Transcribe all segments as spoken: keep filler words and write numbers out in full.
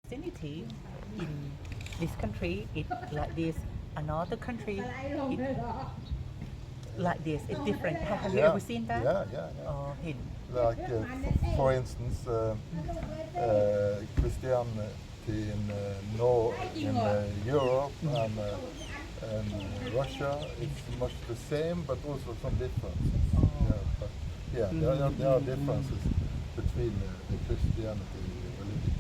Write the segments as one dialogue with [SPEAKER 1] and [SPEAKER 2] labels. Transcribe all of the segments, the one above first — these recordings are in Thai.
[SPEAKER 1] Christianity in this country it like this, another country it like this, it's different. Have you
[SPEAKER 2] Yeah,
[SPEAKER 1] ever seen that?
[SPEAKER 2] Yeah, yeah, yeah.
[SPEAKER 1] Oh, ห็น
[SPEAKER 2] Like, uh, f- for instance, uh, uh, Christianity in uh, Nor- in uh, Europe and, uh, and Russia, it's much the same, but also some differences. Yeah, but yeah, there are, there are differences between uh, the Christianity religion.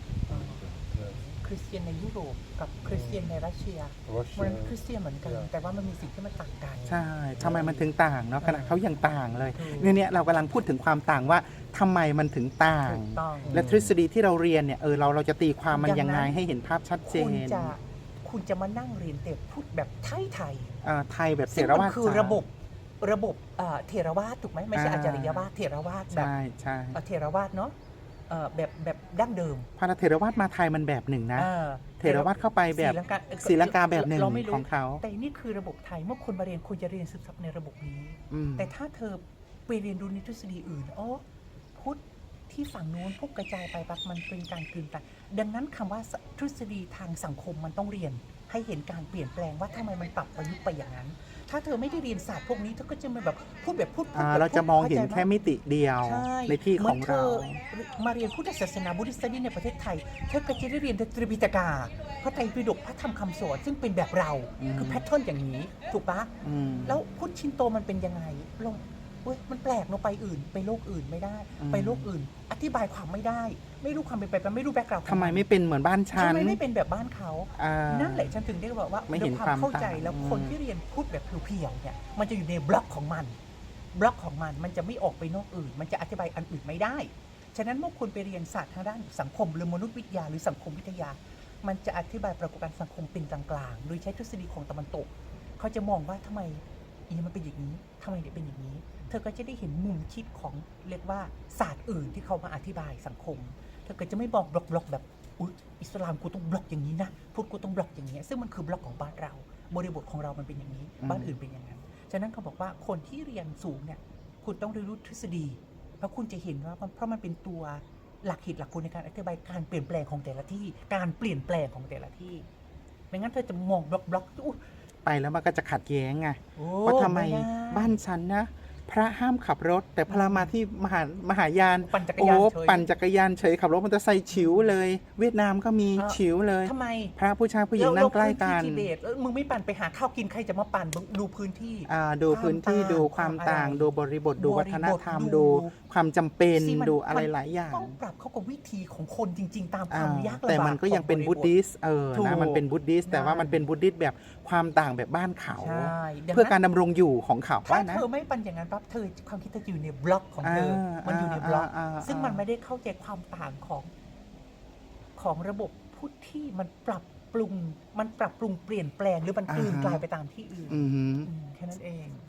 [SPEAKER 2] Yes.
[SPEAKER 1] คริสเตียนในยุโรปกับคริสเตียนในรัสเซีย
[SPEAKER 2] Russia
[SPEAKER 1] มันคริสเตียนเหมือนกัน
[SPEAKER 2] Yeah.
[SPEAKER 1] แต่ว่ามันมีสิ่งที่มันต่างกัน
[SPEAKER 3] ใช่ทำไมมันถึงต่างเนาะขณะเขายังต่างเลย
[SPEAKER 1] ถูก
[SPEAKER 3] เนี่ยเนี่ยเรากำลังพูดถึงความต่างว่าทำไมมันถึงต่าง
[SPEAKER 1] ถูกต้อง
[SPEAKER 3] และทฤษฎีที่เราเรียนเนี่ยเออเราเราจะตีความมัน
[SPEAKER 1] อย่าง
[SPEAKER 3] ยัง
[SPEAKER 1] นั้
[SPEAKER 3] ไง
[SPEAKER 1] น
[SPEAKER 3] ให้เห็นภาพชัดเจ
[SPEAKER 1] คุณ
[SPEAKER 3] น
[SPEAKER 1] จะคุณจะมานั่งเรียนแต่พูดแบบไทยไทย
[SPEAKER 3] เอ่อไทยแบบ
[SPEAKER 1] ๆ
[SPEAKER 3] เถ
[SPEAKER 1] ซึ่ง
[SPEAKER 3] ร
[SPEAKER 1] มั
[SPEAKER 3] วาท
[SPEAKER 1] คือ
[SPEAKER 3] จ๋า
[SPEAKER 1] ระบบระบบเอ่อเถรวาทถูกไหมไม่ใช่
[SPEAKER 3] อ่า
[SPEAKER 1] อาจาริยวาทเถรวาทแบบ
[SPEAKER 3] ใช่ใช่
[SPEAKER 1] เอ่อเถรวาทเนาะเอ่อแบบแบบดั้งเดิม
[SPEAKER 3] พระเถรวาทมาไทยมันแบบหนึ่งนะ
[SPEAKER 1] อ่า
[SPEAKER 3] เถรวาทเข้าไปแบบ
[SPEAKER 1] ศรีลังกา
[SPEAKER 3] ศรีลังกาแบบหนึ่ง
[SPEAKER 1] เราไม่รู้
[SPEAKER 3] ของเขา
[SPEAKER 1] แต่นี่คือระบบไทยเมื่อคนมาเรียนคุณจะเรียนซึมซับในระบบนี้
[SPEAKER 3] อืม
[SPEAKER 1] แต่ถ้าเธอไปเรียนรู้ในทฤษฎีอื่นอ๋อพุทธที่ฝั่งนู้นพวกกระจายไปปักมันเป็นการกลืนไปดังนั้นคำว่าทฤษฎีทางสังคมมันต้องเรียน ให้เห็นการเปลี่ยนแปลงว่าทำไมมันปรับประยุกต์ไปอย่างนั้น ถ้าเธอไม่ได้เรียนศาสตร์พวกนี้เธอก็จะมาแบบพูดแบบพูดพูด
[SPEAKER 3] อ่า
[SPEAKER 1] แบบ
[SPEAKER 3] เราจะมอง
[SPEAKER 1] พูด
[SPEAKER 3] เห็น
[SPEAKER 1] ข้าใจ
[SPEAKER 3] แค่
[SPEAKER 1] ไห
[SPEAKER 3] มิติเดียว
[SPEAKER 1] ใช่
[SPEAKER 3] ในที่ของเรา
[SPEAKER 1] หมืนธอมาเรียนพุทธศาสนาบุริสต์ในประเทศไทยเธอก็จะได้เรียนตรีปิฎกาพระไตรปิฎกพระธรรมคำสอนซึ่งเป็นแบบเรา
[SPEAKER 3] อืม
[SPEAKER 1] คือแพทเทิร์นอย่างนี้ถูกปะ
[SPEAKER 3] อืม
[SPEAKER 1] แล้วพุทธชินโตมันเป็นยังไงลงเว้ยมันแปลกเนาะไปอื่น ไปโลกอื่นไม่ได้
[SPEAKER 3] อืม
[SPEAKER 1] ไปโลกอื่น อธิบายความไม่ได้ ไม่รู้ความเป็นไปไม่รู้แบ็กกราวด์
[SPEAKER 3] ทำไมไม่เป็นเหมือนบ้านฉั
[SPEAKER 1] ทำ
[SPEAKER 3] น
[SPEAKER 1] ไมไม่เป็นแบบบ้านเขา
[SPEAKER 3] อ่า
[SPEAKER 1] นั่นแหละฉันถึงได้บอกว่า
[SPEAKER 3] ไม่เห็น
[SPEAKER 1] ด้วยความเข้าใจ
[SPEAKER 3] ความต่าง
[SPEAKER 1] แล้วคนที่เรียนพูดแบบเพียวๆเนี่ยมันจะอยู่ในบล็อกของมัน บล็อกของมันมันจะไม่ออกไปนอกอื่น มันจะอธิบายอันอื่นไม่ได้ ฉะนั้นเมื่อคุณไปเรียนศาสตร์ทางด้านสังคมหรือมนุษยวิทยาหรือสังคมวิทยา มันจะอธิบายปรากฏการณ์สังคมเป็นกลางๆ โดยใช้ทฤษฎีของตะวันตก เขาจะมองว่าทำไมอีมันเป็นอย่างนี้ทำไมเนี่ยเป็นอย่างนี้ เธอก็จะได้เห็นมุมคิดของเรียกว่าศาสตร์อื่นที่เขามาอธิบายสังคม เธอก็จะไม่บอกบล็อกๆแบบอุ๊ยอิสลามกูต้องบล็อกอย่างนี้นะพุทธกูต้องบล็อกอย่างนี้ซึ่งมันคือบล็อกของบ้านเรา บริบทของเรามันเป็นอย่างนี้
[SPEAKER 3] อืม
[SPEAKER 1] บ้านอื่นเป็นอย่างนั้น ฉะนั้นเขาบอกว่าคนที่เรียนสูงเนี่ยคุณต้องเรียนรู้ทฤษฎีแล้วคุณจะเห็นว่าเพราะมันเป็นตัวหลักเหตุหลักผลในการอธิบายการเปลี่ยนแปลงของแต่ละที่ การเปลี่ยนแปลงของแต่ละที่ ไม่งั้นเธอจะมองบล็อกบล็อกอุ๊ย
[SPEAKER 3] ไปแล้วมันก็จะขัดแย้งไง
[SPEAKER 1] โอ้
[SPEAKER 3] ว่าทำไม
[SPEAKER 1] ด้
[SPEAKER 3] บ้านฉันนะ พระห้ามขับรถ แต่พระมาที่มหามหายาน
[SPEAKER 1] ปั่นจักร
[SPEAKER 3] โอ้
[SPEAKER 1] ยานเฉย
[SPEAKER 3] ปั่นจักรยานเฉยขับรถมอเตอร์ไซค์ฉิวเลย เวียดนามก็มี
[SPEAKER 1] อ่า
[SPEAKER 3] ฉิวเลย
[SPEAKER 1] ทำไม
[SPEAKER 3] พระผู้ชายผู้หญิงนั่งใกล้กัน
[SPEAKER 1] แล้วพื้ที่ทิเบตเอ้ยมึงไม่ปั่นไปหาข้าวกินใครจะมาปั่นมึงดูพื้นที่
[SPEAKER 3] อ่าดูพื้นที่
[SPEAKER 1] ความต่าง
[SPEAKER 3] ดูความต่าง
[SPEAKER 1] ความอะไร
[SPEAKER 3] ดูบริบทดู
[SPEAKER 1] บริบท
[SPEAKER 3] วัฒนธรรม
[SPEAKER 1] ดู
[SPEAKER 3] ดูความจำเป็น
[SPEAKER 1] ที่มัน
[SPEAKER 3] ดูอะไร
[SPEAKER 1] มัน
[SPEAKER 3] หลายอย่าง
[SPEAKER 1] ต้องปรับเข้ากับวิธีของคนจริง ๆ ตามค
[SPEAKER 3] อ่าว
[SPEAKER 1] ามยากลำบาก
[SPEAKER 3] แต่มันก็ยังเป็น
[SPEAKER 1] ของ
[SPEAKER 3] บุตดิสต์เออ
[SPEAKER 1] ถูก
[SPEAKER 3] นะมันเป็นบุตดิสต์แต่ว่า
[SPEAKER 1] ใช่
[SPEAKER 3] มันเป็นบุตดิสต์แบบความต่างแบบบ้านเขา
[SPEAKER 1] ใช่ดังนั้น
[SPEAKER 3] เพื่อการดำรงอยู่ของเขา
[SPEAKER 1] ถ้า
[SPEAKER 3] ว่านะ
[SPEAKER 1] เธอไม่ปั่นอย่างนั้นปั๊บเธอความคิดเธอจะอยู่ในบล็อกของเธอ
[SPEAKER 3] อ่า
[SPEAKER 1] มันอยู่ในบล็อก
[SPEAKER 3] อ่าอ่า
[SPEAKER 1] ซึ่งมันไม่ได้เข้าใจความต่างของของระบบพุทธที่มันปรับปรุง มันปรับปรุงเปลี่ยนแปลงหรือมันกลืน
[SPEAKER 3] อ่าฮะ
[SPEAKER 1] กลายไปตามที่อื่น
[SPEAKER 3] อือหือ
[SPEAKER 1] อืมแค่นั้นเอง